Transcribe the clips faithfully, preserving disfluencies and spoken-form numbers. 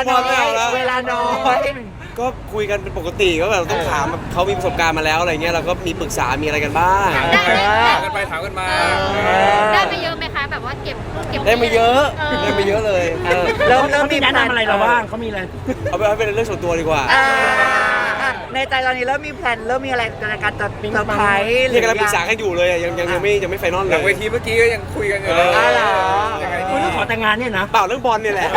น้อยเวลาน้อยก็คุยกันเป็นปกติก็แบบต้องถามเขามีประสบการณ์มาแล้วอะไรเงี้ยเราก็มีปรึกษามีอะไรกันบ้างถามกันไปถามกันมาได้ไปเยอะไหมคะแบบว่าเก็บเก็บได้มาเยอะได้มาเยอะเลยเริ่มเริ่มมีแนะนำอะไรเราบ้างเขามีอะไรเอาไปเป็นเรื่องส่วนตัวดีกว่าในใจตอนนี้เริ่มมีแพลนเริ่มมีอะไรในการจะเซอร์ไพรส์เรียกกันปรึกษากันอยู่เลยยังยังยังไม่ยังไม่ไฟนอลเลยหลังเวทีเมื่อกี้ก็ยังคุยกันอยู่เลยอ๋อเหรอคุยเรื่องขอแต่งงานเนี่ยนะเปล่าเรื่องบอลเนี่ยแหละ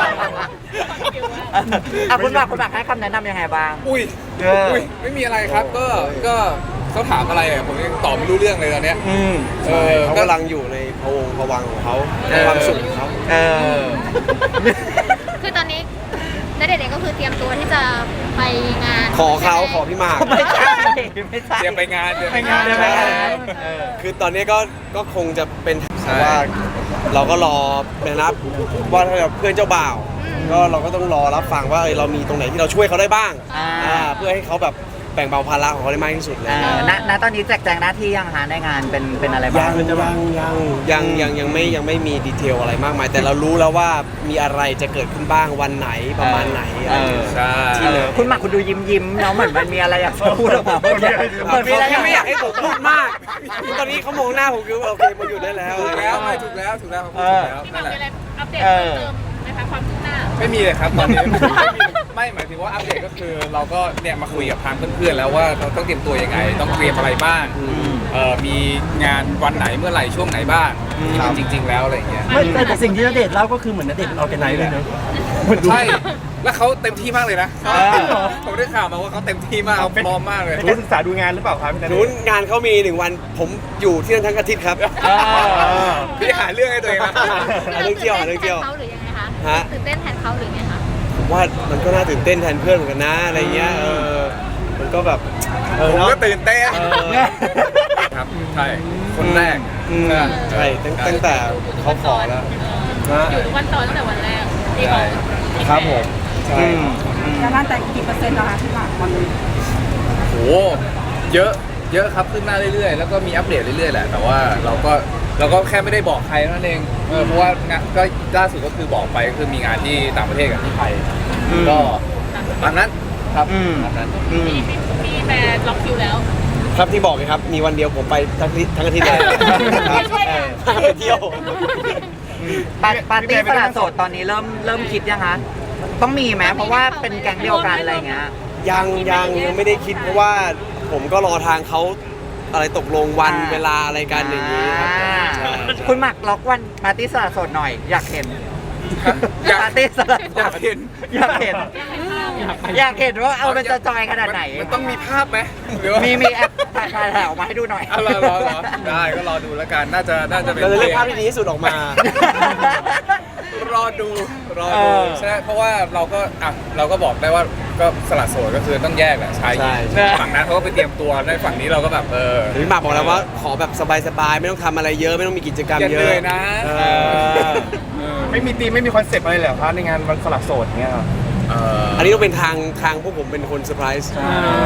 อ่ะคุณบักคุณบักให้คำแนะนำยังไงบ้างอุ้ยอุ้ยไม่มีอะไรครับก็ก็เขาถามอะไรอ่ะผมยังตอบไม่รู้เรื่องเลยตอนเนี้ยอืมใช่เขากำลังอยู่ในพะวงพะวังของเขาความสุขของเขาเออคือตอนนี้ณเดชน์เองก็คือเตรียมตัวที่จะไปงานขอเขาขอพี่หมากไม่ใช่ไม่ใช่เตรียมไปงานเตรียมไปงานใช่ไหมคือตอนนี้ก็ก็คงจะเป็นว่าเราก็รอนะครับว่าถ้าเพื่อนเจ้าบ่าวก็เราก็ต้องรอรับฟังว่าเรามีตรงไหนที่เราช่วยเขาได้บ้างเพื่อให้เขาแบบแบ่งเบาภาระของเขาได้มากที่สุดเลยณณตอนนี้แจกแจงหน้าที่ยังหาในงานเป็นเป็นอะไรบ้างยังยังยังยังยังยังไม่ยังไม่มีดีเทลอะไรมากมายแต่เรารู้แล้วว่ามีอะไรจะเกิดขึ้นบ้างวันไหนประมาณไหนใช่ที่เลยคุณหมากคุณดูยิ้มยิ้มเนาะเหมือนมันมีอะไรอยากพูดออกมาเหมือนมีอะไรไม่อยากให้ผมพูดมากตอนนี้เขามองหน้าผมคือโอเคมาอยู่ได้แล้วถูกแล้วไม่ถูกแล้วถูกแล้วเขาพูดถูกแล้วนั่นแหละอัปเดตเพิ่มเติมไหมคะความคืบหน้าไม่มีเลยครับตอนนี้ไม่หมายถึงว่าอัปเดตก็คือเราก็เนี่ยมาคุยกับทางเพื่อนๆแล้วว่าเราต้องเตรียมตัวยังไงต้องเตรียมอะไรบ้างเอ่อมีงานวันไหนเมื่อไหร่ช่วงไหนบ้างที่มันจริงๆแล้วอะไรอย่างเงี้ยไม่แต่สิ่งที่ณเดชน์เล่าก็คือเหมือนณเดชน์เป็นออร์แกไนซ์เลยเนอะใช่แล้วเขาเต็มที่มากเลยนะผมได้ข่าวมาว่าเขาเต็มที่มากเขาพร้อมมากเลยได้ศึกษาดูงานหรือเปล่าครับพี่นันนู้นงานเขามีหนึ่งวันผมอยู่ที่นั่นทั้งอาทิตย์ครับพี่หาเรื่องให้ตัวเองนะหาเรื่องเที่ยวหาเรื่องเที่ยวเขาหรือยังไงคะตื่นเต้นแทนเขาหรือไงคะผมว่ามันก็น่าตื่นเต้นแทนเพื่อนเหมือนกันนะอะไรเงี้ยเออมันก็แบบผมก็ตื่นเต้นครับใช่คนแรกใช่ตั้งแต่เขาขอแล้วอยู่วันต่อตั้งแต่วันแรกที่เขาครับผมใช่แล้วบ้านแต่กี่เปอร์เซ็นต์แล้วคะที่หลังวันนี้โหเยอะเยอะครับขึ้นหน้าเรื่อยๆแล้วก็มีอัปเดตเรื่อยๆแหละแต่ว่าเราก็เราก็แค่ไม่ได้บอกใครนั่นเองเออเพราะว่างานก็ล่าสุดก็คือบอกไปก็คือมีงานที่ต่างประเทศกับที่ไทยก็ตามนั้นครับตามนั้นมีมีแบรนด์ล็อกคิวแล้วครับที่บอกเลยครับมีวันเดียวผมไปทั้งทั้งอาทิตย์เลยไปเที่ยวปาร์ตี้สละโสดตอนนี้เริ่มเริ่มคิดยังคะต้องมีไหมเพราะว่าเป็นแก๊งเดียวกันอะไรเงี้ยยังยังยังไม่ได้คิดเพราะว่าผมก็รอทางเขาอะไรตกลงวันเวลาอะไรกันอย่างนี้คุณหมักล็อกวันปาร์ตี้สละโสดหน่อยอยากเห็นปาร์ตี้สละอยากเห็นอยากเห็นอยากเห็นว่าเอาเป็นจะจอยขนาดไหนมันต้องมีภาพไหมมีมีแอปถ่ายถ่ายออกมาให้ดูหน่อยรอรอได้ก็รอดูแล้วกันน่าจะน่าจะเป็นเราจะเลือกภาพที่ดีที่สุดออกมารอดูรอดูใช่เพราะว่าเราก็อ่ะเราก็บอกได้ว่าก็สละโสดก็คือต้องแยกแหละชายหญิงฝั่งนั้นเขาก็ไปเตรียมตัวในฝั่งนี้เราก็แบบเออพี่หมากบอกแล้วว่าขอแบบสบายๆไม่ต้องทำอะไรเยอะไม่ต้องมีกิจกรรมเยอะเลยนะไม่มีธีมไม่มีคอนเซ็ปต์อะไรเลยเหรอครับในงานวันสละโสดเงี้ยครับอันนี้ต้องเป็นทางทางพวกผมเป็นคนเซอร์ไพรส์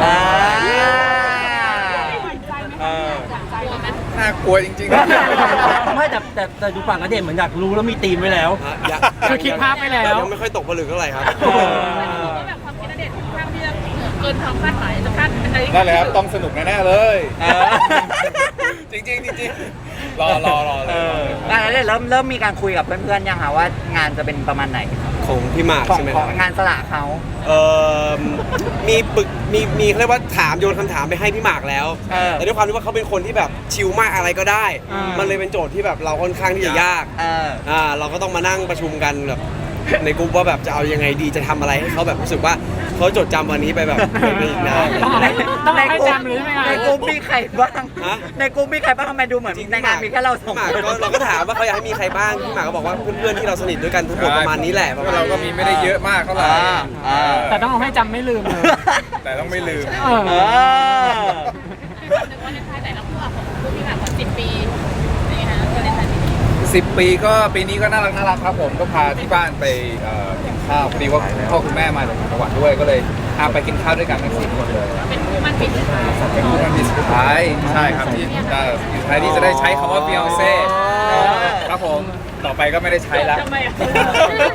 น่ากลัวจริงๆไม่แต่แต่แต่ดูฝั่งณเดชน์เหมือนอยากรู้แล้วมีธีมไว้แล้วคือคิดภาพไว้แล้วยังไม่ค่อยตกผลึกเท่าไหร่ครับแบบความคิดณเดชน์ค่อนข้างที่จะเกินความคาดหมายจะคาดเป็นอะไรนั่นแหละครับต้องสนุกแน่ๆเลยจริงจริงจริงรอรอรอเลยงานนี้เริ่มเริ่มมีการคุยกับเพื่อนๆยังคะว่างานจะเป็นประมาณไหนของพี่หมากใช่ไหมของงานสละเขาเออมีปึกมีมีเรียกว่าถามโยนคำถามไปให้พี่หมากแล้วแต่ด้วยความที่ว่าเขาเป็นคนที่แบบชิลมากอะไรก็ได้มันเลยเป็นโจทย์ที่แบบเราค่อนข้างที่จะยากอ่าเราก็ต้องมานั่งประชุมกันแบบในกลุ่มว่าแบบจะเอายังไงดีจะทำอะไรให้เขาแบบรู้สึกว่าเขาจดจำวันนี้ไปแบบไปอีกนานต้องให้จำหรือไม่ในกลุ่มมีใครบ้างในกลุ่มมีใครบ้างทำไมดูเหมือนในงานมีแค่เราสองคนเราก็ถามว่าเขาอยากให้มีใครบ้างพี่หมากก็บอกว่าเพื่อนๆที่เราสนิทด้วยกันทั้งหมดประมาณนี้แหละเราก็มีไม่ได้เยอะมากเท่าไหร่แต่ต้องเอาให้จำไม่ลืมเลยแต่ต้องไม่ลืมหนึ่งวันในไทยแต่ละคู่ของคู่พี่หมากกว่าสิบปีนี่ฮะก็ในไทยสิบปีก็ปีนี้ก็น่ารักน่ารักครับผมก็พาที่บ้านไปกินข้าวพอดีว่าพ่อคุณแม่มาจากจังหวัดด้วยก็เลยพาไปกินข้าวด้วยกันทั้งสี่คนเลยเป็นคู่มันปีสุดท้ายเป็นคู่มันปีสุดท้ายใช่ครับที่จะสุดท้ายที่จะได้ใช้คำว่าฟิออนเซ่ครับผมต่อไปก็ไม่ได้ใช้แล้ว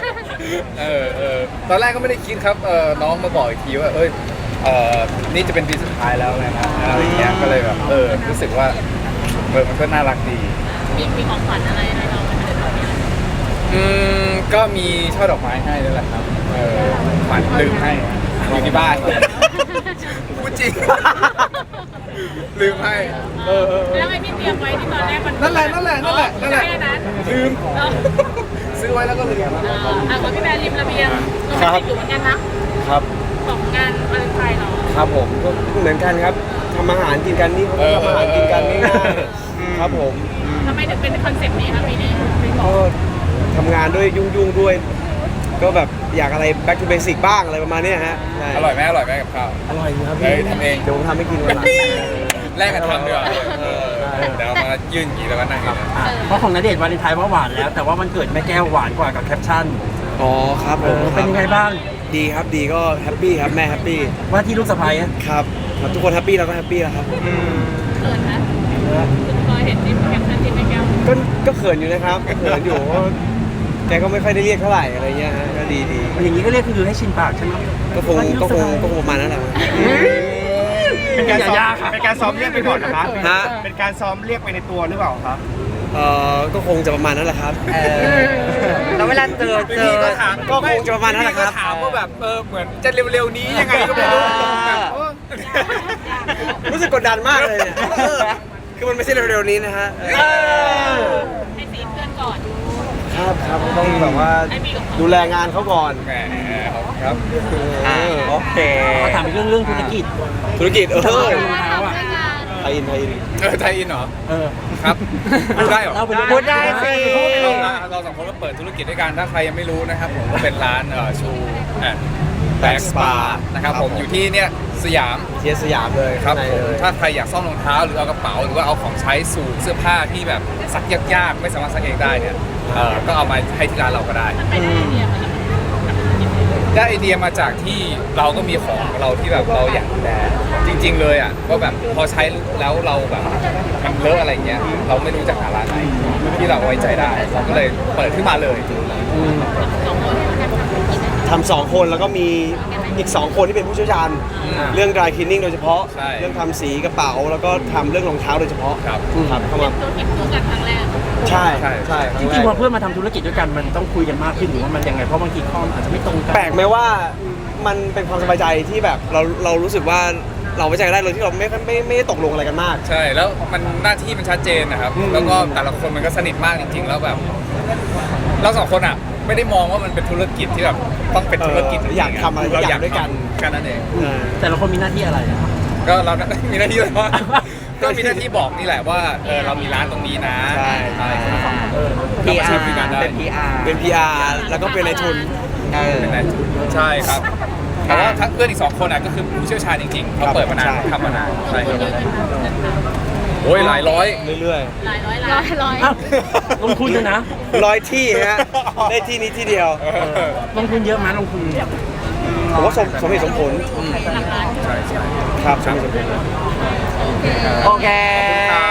เออเออตอนแรกก็ไม่ได้คิดครับเออน้องมาบอกอีกทีว่าเอ้ยเออนี่จะเป็นปีสุดท้ายแล้วนะอะไรอย่างเงี้ยก็เลยแบบเออรู้สึกว่าเออมันก็น่ารักดีมีมีของขวัญอะไรให้เราไหมคะในตอนนี้อืมก็มีช่อดอกไม้ให้นั่นแหละครับเออฝันลืมให้อยู่ที่บ้านพูดจริง ลืมให้เออเออแล้วไอ้ที่เตรียมไว้ที่ตอนแรกมันนั่นแหละนั่นแหละนั่นแหละนั่นแหละใช่นั้นลืมเออซื้อไว้แล้วก็ลืมเอออ่ะว่าพี่แบร์ริมระเบียงโรแมนติกอยู่เหมือนกันนะครับ ของงานวาเลนไทน์เราครับผมก็เหมือนกันครับทำอาหารกินกันนี่เขาก็ทำอาหารกินกันง่ายๆครับผมทำไมถึงเป็นคอนเซ็ปต์นี้ครับปีนี้ก็ทำงานด้วยยุ่งๆด้วย ก็แบบอยากอะไร back to basic บ้างอะไรประมาณเนี้ยฮะใช่อร่อยไหมอร่อยไหมกับข้าวอร่อยครับเฮ้พี่ยทำเองเดี๋ยวผมทำให้กินวันหลังแลกกันทำดีกว่าเออเดี๋ยวเรามายื่นอย่างนี้แล้วก็นั่งกันอ่ะเพราะของณเดชน์วาเลนไทน์ว่าหวานแล้ว แต่ว่ามันเกิดแม่แก้วหวานกว่ากับแคปชั่นอ๋อครับผเอมอเป็นยังไงบ้างดีครับดีก็แฮปปี้ครับแม่แฮปปี้ว่าที่ลูกสะใภ้อะครับครับทุกคนแฮปปี้เราก็แฮปปี้แล้วครับเขินนะคุณพลอยเห็นที่แคปชั่นที่แม่แก้วก็ก็เขินอยู่นะครับเขินอยู่เพราะแกก็ไม่ค่อยได้เรียกเท่าไหร่อะไรเงี้ยฮะก็ดีดีอย่างนี้ก็เรียกคือให้ชินปากใช่ไหมก็คงก็คงก็คงประมาณนั้นแหละเป็นการซ้อมอย่ายากค่ะเป็นการซ้อมเรียกไปก่อนนะครับฮะเป็นการซ้อมเรียกไปในตัวหรือเปล่าครับเอ่อก็คงจะประมาณนั้นแหละครับเออแล้วเวลาเจอเจอพี่ก็ถามก็คงจะประมาณนั้นแหละครับพี่ก็ถามว่าแบบเออเหมือนจะเร็วๆนี้ยังไงก็ไม่รู้แบบเออรู้สึกกดดันมากเลยเนี่ยเออคือมันไม่ใช่เร็วๆนี้นะฮะเออให้สีเพื่อนก่อนครับครับต้องแบบว่าดูแลงานเขาก่อนแหมครับอ่าโอเคเขาถามเรื่องเรื่องธุรกิจธุรกิจเออรองเท้าอ่ะไทยอินไทยอินเออไทยอินเหรอเออครับพูดได้เหรอเล่าไปเรื่อยพูดได้สิเราเราสองคนก็เปิดธุรกิจด้วยกันถ้าใครยังไม่รู้นะครับผมก็เป็นร้านเอ่อชูแอนแบ็กสปานะครับผมอยู่ที่เนี่ยสยามเทียสยามเลยครับข้างในผมเลยถ้าใครอยากซ่อมรองเท้าหรือเอากระเป๋าหรือว่าเอาของใช้สู่เสื้อผ้าที่แบบซักยากๆไม่สามารถซักเองได้เนี่ยเออก็เอามาให้ที่ร้านเราก็ได้มันไปได้ไอเดียมาจากได้ไอเดียมาจากที่เราก็มีของของเราที่แบบเราอยากดูแลจริง ๆ เลยอ่ะก็แบบพอใช้แล้วเราแบบมันเลอะอะไรเงี้ยเราไม่รู้จะหาร้านไหนที่เราไว้ใจได้เราก็เลยเปิดขึ้นมาเลยสองคนที่ทำธุรกิจทำสองคนแล้วก็มีอีกสองคนที่เป็นผู้เชี่ยวชาญอืมเรื่อง dry cleaning โดยเฉพาะใช่เรื่องทำสีกระเป๋าแล้วก็ทำเรื่องรองเท้าโดยเฉพาะครับครับเข้ามาธุรกิจคู่กันครั้งแรกใช่ใช่ใช่คจรั้งแรริงกๆพอเพื่อนมาทำธุรกิจด้วยกันมันต้องคุยกันมากขึ้นหรือว่ามันยังไงเพราะบางทีข้อมนอาจจะไม่ตรงกันแปลกไหมว่ามันเป็นความสบายใจที่แบบเราเรารู้สึกว่าเราไว้ใจได้เลยที่เราไม่ไม่ไม่ได้ตกลงอะไรกันมากใช่แล้วมันหน้าที่มันชัดเจนนะครับอืมแล้วก็แต่ละคนมันก็สนิทมากจริง ๆ แล้วแบบเราสองคนอ่ะไม่ได้มองว่ามันเป็นธุรกิจที่แบบต้องเป็นธุรกิจจริงๆอยากทำอะไรเราออยายาก กด้วยกันแค่นั้นเองอ่าแต่ละคนมีหน้าที่อะไรอะก็เรา มีหน้าที่อะไรว่า ก็มีหน้าที่บอกนี่แหละว่าเออเรามีร้านตรงนี้นะใช่ใช่ครับเออพีเรามาอาช่วยร์คุยกันได้เป็น พี อาร์เป็น พี อาร์ แล้วก็เป็นนายทุนเออเป็นนายทุนใช่ครับแต่ว่าทั้งเพื่อนอีกสองคนอ่ะก็คือผู้เชี่ยวชาญจริงๆเขาเปิดมานานใช่ทำมานานใช่ลงคทุรับนเยอะไหมคะเงินทโอ้ยหลายร้อยเรื่อยำหลายร้อยล้านร้อยอ้าวลงทุนเลยนะๆร้อยที่ฮะได้ที่นี้ที่เดียวลงทุนเยอะไหมลงทุนผมว่าสมสมเหตุสมผลหลักล้านใช่ใช่ครับสมเหตุสมผลโอเคครั